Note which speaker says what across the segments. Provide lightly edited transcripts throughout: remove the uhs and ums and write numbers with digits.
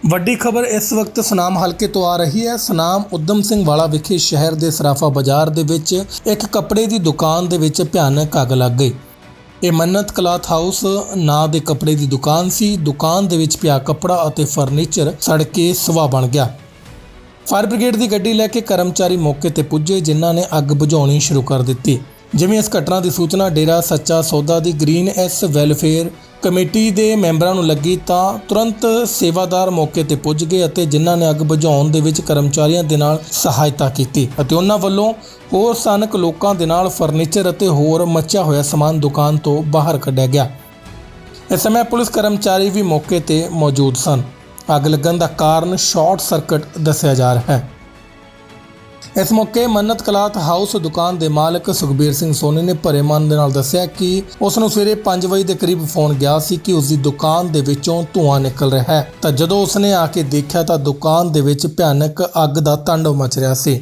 Speaker 1: ਵੱਡੀ ਖਬਰ ਇਸ ਵਕਤ ਸੁਨਾਮ ਹਲਕੇ ਤੋਂ ਆ ਰਹੀ ਹੈ। ਸੁਨਾਮ ਉਦਮ ਸਿੰਘ ਵਾਲਾ ਵਿਖੇ ਸ਼ਹਿਰ ਦੇ ਸਰਾਫਾ ਬਾਜ਼ਾਰ ਦੇ ਵਿੱਚ ਇੱਕ ਕੱਪੜੇ ਦੀ ਦੁਕਾਨ ਦੇ ਵਿੱਚ ਭਿਆਨਕ ਅੱਗ ਲੱਗ ਗਈ। ਇਹ ਮੰਨਤ ਕਲਾਥ ਹਾਊਸ ਨਾਂ ਦੇ ਕੱਪੜੇ ਦੀ ਦੁਕਾਨ ਸੀ। ਦੁਕਾਨ ਦੇ ਵਿੱਚ ਪਿਆ ਕੱਪੜਾ ਅਤੇ ਫਰਨੀਚਰ ਸੜ ਕੇ ਸਵਾਹ ਬਣ ਗਿਆ। ਫਾਇਰ ਬ੍ਰਿਗੇਡ ਦੀ ਗੱਡੀ ਲੈ ਕੇ ਕਰਮਚਾਰੀ ਮੌਕੇ ਤੇ ਪੁੱਜੇ, ਜਿਨ੍ਹਾਂ ਨੇ ਅੱਗ ਬੁਝਾਉਣੀ ਸ਼ੁਰੂ ਕਰ ਦਿੱਤੀ। ਜਿਵੇਂ ਇਸ ਘਟਨਾ ਦੀ ਸੂਚਨਾ ਡੇਰਾ ਸੱਚਾ ਸੌਦਾ ਦੀ ਗ੍ਰੀਨ ਐਸ ਵੈਲਫੇਅਰ ਕਮੇਟੀ ਦੇ ਮੈਂਬਰਾਂ ਨੂੰ ਲੱਗੀ ਤਾਂ ਤੁਰੰਤ ਸੇਵਾਦਾਰ ਮੌਕੇ ਤੇ ਪੁੱਜ ਗਏ ਅਤੇ ਜਿਨ੍ਹਾਂ ਨੇ ਅੱਗ ਬੁਝਾਉਣ ਦੇ ਵਿੱਚ ਕਰਮਚਾਰੀਆਂ ਦੇ ਨਾਲ ਸਹਾਇਤਾ ਕੀਤੀ ਅਤੇ ਉਹਨਾਂ ਵੱਲੋਂ ਹੋਰ ਸਥਾਨਕ ਲੋਕਾਂ ਦੇ ਨਾਲ ਫਰਨੀਚਰ ਅਤੇ ਹੋਰ ਮੱਚਿਆ ਹੋਇਆ ਸਮਾਨ ਦੁਕਾਨ ਤੋਂ ਬਾਹਰ ਕੱਢਿਆ ਗਿਆ। ਇਸ ਸਮੇਂ ਪੁਲਿਸ ਕਰਮਚਾਰੀ ਵੀ ਮੌਕੇ ਤੇ ਮੌਜੂਦ ਸਨ। ਅੱਗ ਲੱਗਣ ਦਾ ਕਾਰਨ ਸ਼ਾਰਟ ਸਰਕਟ ਦੱਸਿਆ ਜਾ ਰਿਹਾ ਹੈ। ਇਸ ਮੌਕੇ ਮੰਨਤ ਕਲਾਥ ਹਾਊਸ ਦੁਕਾਨ ਦੇ ਮਾਲਕ ਸੁਖਬੀਰ ਸਿੰਘ ਸੋਨੀ ਨੇ ਭਰੇ ਮਨ ਦੇ ਨਾਲ ਦੱਸਿਆ ਕਿ ਉਸ ਨੂੰ ਸਵੇਰੇ 5 ਵਜੇ ਦੇ ਕਰੀਬ ਫੋਨ ਗਿਆ ਸੀ ਕਿ ਉਸ ਦੀ ਦੁਕਾਨ ਦੇ ਵਿੱਚੋਂ ਧੂੰਆਂ ਨਿਕਲ ਰਿਹਾ ਹੈ। ਤਾਂ ਜਦੋਂ ਉਸਨੇ ਆ ਕੇ ਦੇਖਿਆ ਤਾਂ ਦੁਕਾਨ ਦੇ ਵਿੱਚ ਭਿਆਨਕ ਅੱਗ ਦਾ ਤਾਂਡਵ ਮਚ ਰਿਹਾ ਸੀ।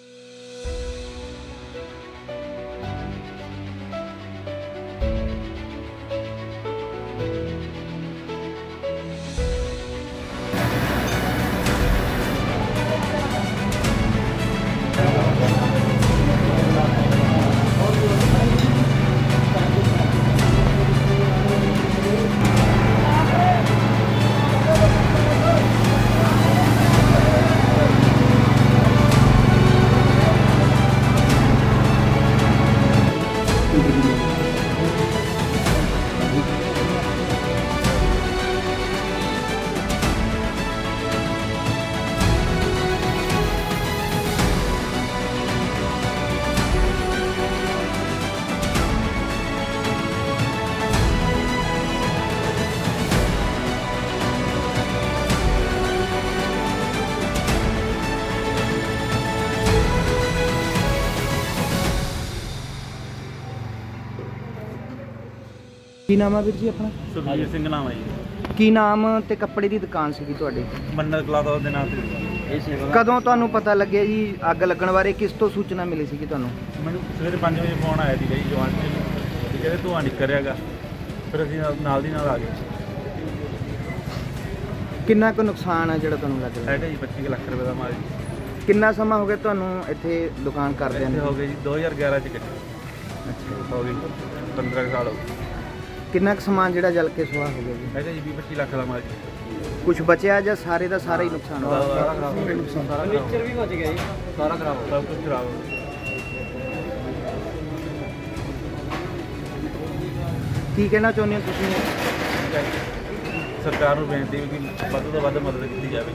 Speaker 2: ਕੀ ਨਾਮ ਆ ਵੀਰ ਜੀ ਆਪਣਾ?
Speaker 3: ਸੁਖਬੀਰ ਸਿੰਘ ਨਾਮ ਹੈ ਜੀ।
Speaker 2: ਕੀ ਨਾਮ ਤੇ ਕੱਪੜੇ ਦੀ ਦੁਕਾਨ ਸੀਗੀ ਤੁਹਾਡੀ?
Speaker 3: ਮੰਨਤ ਕਲਾਥ ਹਾਊਸ ਦੇ ਨਾਮ ਤੇ ਇਹ ਸੇਵਾ।
Speaker 2: ਕਦੋਂ ਤੁਹਾਨੂੰ ਪਤਾ ਲੱਗਿਆ ਜੀ ਅੱਗ ਲੱਗਣ ਬਾਰੇ? ਕਿਸ ਤੋਂ ਸੂਚਨਾ ਮਿਲੀ ਸੀਗੀ ਤੁਹਾਨੂੰ?
Speaker 3: ਮੈਨੂੰ ਸਵੇਰੇ 5 ਵਜੇ ਫੋਨ ਆਇਆ ਸੀ ਜੀ ਜਵਾਨ ਜੀ ਤੇ ਕਹਿੰਦੇ ਧੂੰਆਂ ਨਿਕਲ ਰਿਹਾਗਾ। ਫਿਰ ਅਸੀਂ ਨਾਲ ਦੀ ਨਾਲ ਆ ਗਏ।
Speaker 2: ਕਿੰਨਾ ਕੁ ਨੁਕਸਾਨ ਆ ਜਿਹੜਾ ਤੁਹਾਨੂੰ ਲੱਗ ਰਿਹਾ?
Speaker 3: ਹੈਗਾ ਜੀ 25 ਲੱਖ ਰੁਪਏ ਦਾ ਮਾਲ ਜੀ।
Speaker 2: ਕਿੰਨਾ ਸਮਾਂ ਹੋ ਗਿਆ ਤੁਹਾਨੂੰ ਇੱਥੇ ਦੁਕਾਨ ਕਰਦਿਆਂ
Speaker 3: ਇੱਥੇ
Speaker 2: ਨੂੰ?
Speaker 3: ਹੋ ਗਏ ਜੀ 2011 ਚ ਕੱਟੀ।
Speaker 2: ਅੱਛਾ।
Speaker 3: ਹੋ ਗਈ 15 ਸਾਲ ਹੋ ਗਏ।
Speaker 2: ਕਿੰਨਾ ਕੁ ਸਮਾਨ ਜਿਹੜਾ ਜਲ ਕੇ ਸੁਆਹ ਹੋ ਗਿਆ ਜੀ?
Speaker 3: ਹੈਗਾ ਜੀ 20-25 ਲੱਖ ਦਾ ਮਾਲ ਜੀ।
Speaker 2: ਕੁਝ ਬਚਿਆ ਜਾਂ ਸਾਰੇ ਦਾ ਸਾਰਾ ਹੀ ਨੁਕਸਾਨ ਹੋ ਗਿਆ?
Speaker 3: ਸਾਰਾ ਖਰਾਬ ਹੋ ਗਿਆ।
Speaker 2: ਫਰਨੀਚਰ ਵੀ ਬਚ ਗਿਆ ਜੀ?
Speaker 3: ਸਾਰਾ ਖਰਾਬ ਹੋ ਗਿਆ। ਸਭ ਕੁਝ ਖਰਾਬ ਹੋ ਗਿਆ।
Speaker 2: ਕੀ ਕਹਿਣਾ ਚਾਹੁੰਦੇ ਹੋ ਤੁਸੀਂ?
Speaker 3: ਸਰਕਾਰ ਨੂੰ ਬੇਨਤੀ ਵੀ ਕਿ ਵੱਧ ਤੋਂ ਵੱਧ ਮਦਦ ਕੀਤੀ ਜਾਵੇ।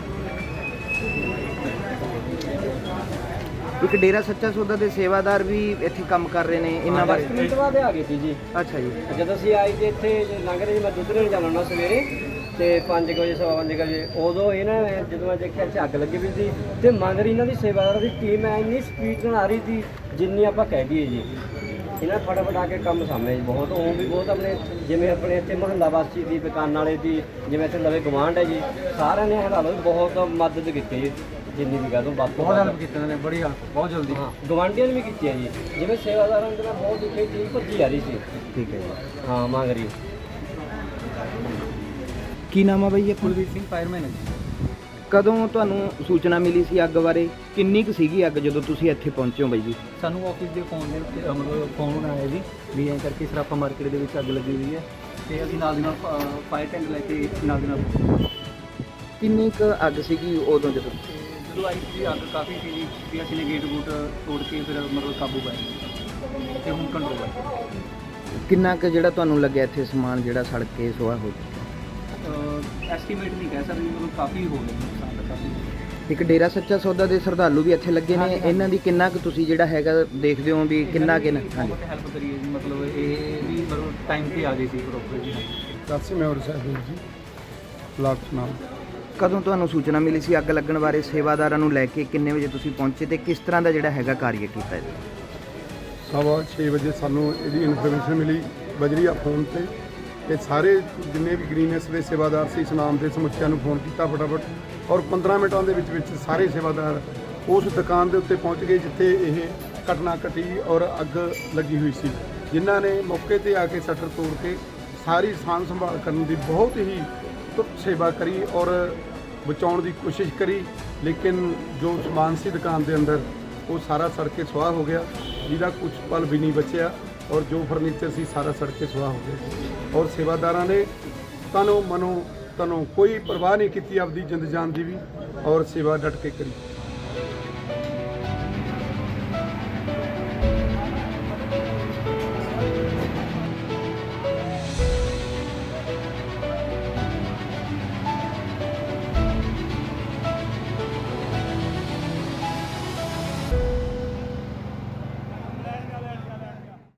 Speaker 2: ਇੱਕ ਡੇਰਾ ਸੱਚਾ ਸੌਦਾ ਦੇ ਸੇਵਾਦਾਰ ਵੀ ਇੱਥੇ ਕੰਮ ਕਰ ਰਹੇ ਨੇ, ਇਹਨਾਂ ਬਾਰੇ?
Speaker 4: 10 ਮਿੰਟ ਬਾਅਦ ਆ ਗਏ ਸੀ ਜੀ।
Speaker 2: ਅੱਛਾ ਜੀ।
Speaker 4: ਜਦੋਂ ਅਸੀਂ ਆਏ ਤੇ ਇੱਥੇ ਲੰਘ ਰਹੇ, ਮੈਂ ਦੁੱਧ ਲੈਣ ਜਾਣਾ ਹੁੰਦਾ ਸਵੇਰੇ ਤੇ 5 ਵਜੇ 5:15 ਵਜੇ, ਉਦੋਂ ਇਹਨਾਂ ਨੇ ਜਦੋਂ ਮੈਂ ਦੇਖਿਆ ਇੱਥੇ ਅੱਗ ਲੱਗੀ ਵੀ ਸੀ ਤੇ ਮਗਰ ਇਹਨਾਂ ਦੀ ਸੇਵਾਦਾਰਾਂ ਦੀ ਟੀਮ ਐ ਇੰਨੀ ਸਪੀਡ ਨਾਲ ਆ ਰਹੀ ਸੀ ਜਿੰਨੀ ਆਪਾਂ ਕਹਿ ਦਈਏ ਜੀ। ਇਹਨਾਂ ਫਟਾਫਟ ਆ ਕੇ ਕੰਮ ਸਾਹਮਣੇ ਬਹੁਤ ਉਹ ਵੀ ਬਹੁਤ ਆਪਣੇ ਜਿਵੇਂ ਆਪਣੇ ਇੱਥੇ ਮੁਹੱਲਾ ਵਾਸੀ ਦੀ ਦੁਕਾਨ ਵਾਲੇ ਦੀ ਜਿਵੇਂ ਇੱਥੇ ਨਵੇਂ ਗਵਾਂਢ ਹੈ ਜੀ, ਸਾਰਿਆਂ ਨੇ ਹਾਲਾਤ ਬਹੁਤ ਮਦਦ ਕੀਤੀ ਜੀ। ਜਿੰਨੀ ਵੀ ਗੱਲ ਬਹੁਤ
Speaker 3: ਹੈਲਪ ਕੀਤੀ ਨੇ, ਬੜੀ ਬਹੁਤ ਜਲਦੀ।
Speaker 4: ਹਾਂ, ਗਵਾਂਢੀਆਂ ਨੇ ਵੀ ਕੀਤੀ ਹੈ ਜੀ। ਜਿਵੇਂ ਸੇਵਾਦਾਰਾਂ ਦੇ ਨਾਲ ਬਹੁਤ ਦੁਖੀ ਟੀਮ ਭੱਜੀ ਆ ਰਹੀ ਸੀ।
Speaker 2: ਠੀਕ ਹੈ ਜੀ।
Speaker 4: ਹਾਂ ਮੰਗ ਰਹੀ।
Speaker 2: ਕੀ ਨਾਮ ਆ ਬਾਈ ਆਪਣਾ?
Speaker 3: ਕੁਲਵੀਰ ਸਿੰਘ ਫਾਇਰਮੈਨ ਹੈ ਜੀ।
Speaker 2: ਕਦੋਂ ਤੁਹਾਨੂੰ ਸੂਚਨਾ ਮਿਲੀ ਸੀ ਅੱਗ ਬਾਰੇ? ਕਿੰਨੀ ਕੁ ਸੀਗੀ ਅੱਗ ਜਦੋਂ ਤੁਸੀਂ ਇੱਥੇ ਪਹੁੰਚੇ ਹੋ ਬਾਈ ਜੀ?
Speaker 3: ਸਾਨੂੰ ਆਫਿਸ ਦੇ ਫੋਨ ਦੇ ਉੱਤੇ ਮਤਲਬ ਫੋਨ ਆਇਆ ਜੀ ਵੀ ਐਂ ਕਰਕੇ ਸਰਾਫਾ ਮਾਰਕੀਟ ਦੇ ਵਿੱਚ ਅੱਗ ਲੱਗੀ ਹੋਈ ਹੈ ਤੇ ਅਸੀਂ ਨਾਲ ਦੀ ਨਾਲ ਫਾਇਰ ਟੈਂਕ ਲੈ ਕੇ ਨਾਲ ਦੀ ਨਾਲ।
Speaker 2: ਕਿੰਨੀ ਕੁ ਅੱਗ ਸੀਗੀ ਉਦੋਂ ਜਦੋਂ?
Speaker 3: ਜਦੋਂ ਆਈ ਸੀ ਅੱਗ ਕਾਫੀ ਸੀ ਜੀ ਵੀ ਅਸੀਂ ਨੇ ਗੇਟ ਗੂਟ ਤੋੜ ਕੇ ਫਿਰ ਮਤਲਬ ਕਾਬੂ ਪਾਇਆ ਤੇ ਹੁਣ ਕੰਟਰੋਲ ਹੈ।
Speaker 2: ਕਿੰਨਾ ਕੁ ਜਿਹੜਾ ਤੁਹਾਨੂੰ ਲੱਗਿਆ ਇੱਥੇ ਸਮਾਨ ਜਿਹੜਾ ਸੜ ਕੇ ਸੁਆਹ ਹੋ ਗਿਆ?
Speaker 3: ਐਸਟੀਮੇਟ ਨਹੀਂ ਕਹਿ ਸਕਦੇ, ਮਤਲਬ ਕਾਫੀ ਹੋ ਗਿਆ ਨੁਕਸਾਨ ਦਾ ਕਾਫੀ।
Speaker 2: ਇੱਕ ਡੇਰਾ ਸੱਚਾ ਸੌਦਾ ਦੇ ਸ਼ਰਧਾਲੂ ਵੀ ਇੱਥੇ ਲੱਗੇ ਨੇ, ਇਹਨਾਂ ਦੀ ਕਿੰਨਾ ਕੁ ਤੁਸੀਂ ਜਿਹੜਾ ਹੈਗਾ ਦੇਖਦੇ ਹੋ ਵੀ ਕਿੰਨਾ ਹਾਂਜੀ
Speaker 3: ਹੈਲਪ ਕਰੀਏ ਜੀ, ਮਤਲਬ ਇਹ ਵੀ ਮਤਲਬ ਟਾਈਮ ਤੇ ਆ ਗਏ ਸੀ ਪ੍ਰੋਪਰ ਜੀ।
Speaker 5: ਕਾਸੀ ਮੈਂਬਰ ਸਾਹਿਬ ਜੀ ਬਲਾਕ ਸੁਨਾਮ।
Speaker 2: ਕਦੋਂ ਤੁਹਾਨੂੰ ਸੂਚਨਾ ਮਿਲੀ ਸੀ ਅੱਗ ਲੱਗਣ ਬਾਰੇ? ਸੇਵਾਦਾਰਾਂ ਨੂੰ ਲੈ ਕੇ ਕਿੰਨੇ ਵਜੇ ਤੁਸੀਂ ਪਹੁੰਚੇ ਤੇ ਕਿਸ ਤਰ੍ਹਾਂ ਦਾ ਜਿਹੜਾ ਹੈਗਾ ਕਾਰਜ ਕੀਤਾ ਜੀ?
Speaker 5: 6:15 ਵਜੇ ਸਾਨੂੰ ਇਹਦੀ ਇਨਫੋਰਮੇਸ਼ਨ ਮਿਲੀ ਬਜਰੀਆ ਫੋਨ ਤੇ ਸਾਰੇ ਜਿੰਨੇ ਵੀ ਗ੍ਰੀਨੈਸ ਦੇ ਸੇਵਾਦਾਰ ਸੀ ਸੁਨਾਮ ਦੇ ਸਮੁੱਚਿਆਂ ਨੂੰ ਫੋਨ ਕੀਤਾ ਫਟਾਫਟ ਔਰ 15 ਮਿੰਟਾਂ ਦੇ ਵਿੱਚ ਸਾਰੇ ਸੇਵਾਦਾਰ ਉਸ ਦੁਕਾਨ ਦੇ ਉੱਤੇ ਪਹੁੰਚ ਗਏ ਜਿੱਥੇ ਇਹ ਘਟਨਾ ਘਟੀ ਔਰ ਅੱਗ ਲੱਗੀ ਹੋਈ ਸੀ, ਜਿਨ੍ਹਾਂ ਨੇ ਮੌਕੇ ਤੇ ਆ ਕੇ ਸ਼ਟਰ ਤੋੜ ਕੇ ਸਾਰੀ ਸਾਂਭ ਸੰਭਾਲ ਕਰਨ ਦੀ ਬਹੁਤ ਹੀ ਤੁਰਤ ਸੇਵਾ ਕਰੀ ਔਰ ਬਚਾਉਣ ਦੀ ਕੋਸ਼ਿਸ਼ ਕਰੀ, ਲੇਕਿਨ ਜੋ ਸਮਾਨ ਸੀ ਦੁਕਾਨ ਦੇ ਅੰਦਰ ਉਹ ਸਾਰਾ ਸੜ ਕੇ ਸੁਆਹ ਹੋ ਗਿਆ, ਜਿਹਦਾ ਕੁਝ ਪਲ ਵੀ ਨਹੀਂ ਬਚਿਆ, ਔਰ ਜੋ ਫਰਨੀਚਰ ਸੀ ਸਾਰਾ ਸੜ ਕੇ ਸੁਆਹ ਹੋ ਗਿਆ। ਔਰ ਸੇਵਾਦਾਰਾਂ ਨੇ ਤਨੋਂ ਮਨੋਂ ਕੋਈ ਪਰਵਾਹ ਨਹੀਂ ਕੀਤੀ ਆਪਦੀ ਜਿੰਦ ਜਾਨ ਦੀ ਵੀ, ਔਰ ਸੇਵਾ ਡਟ ਕੇ ਕਰੀ।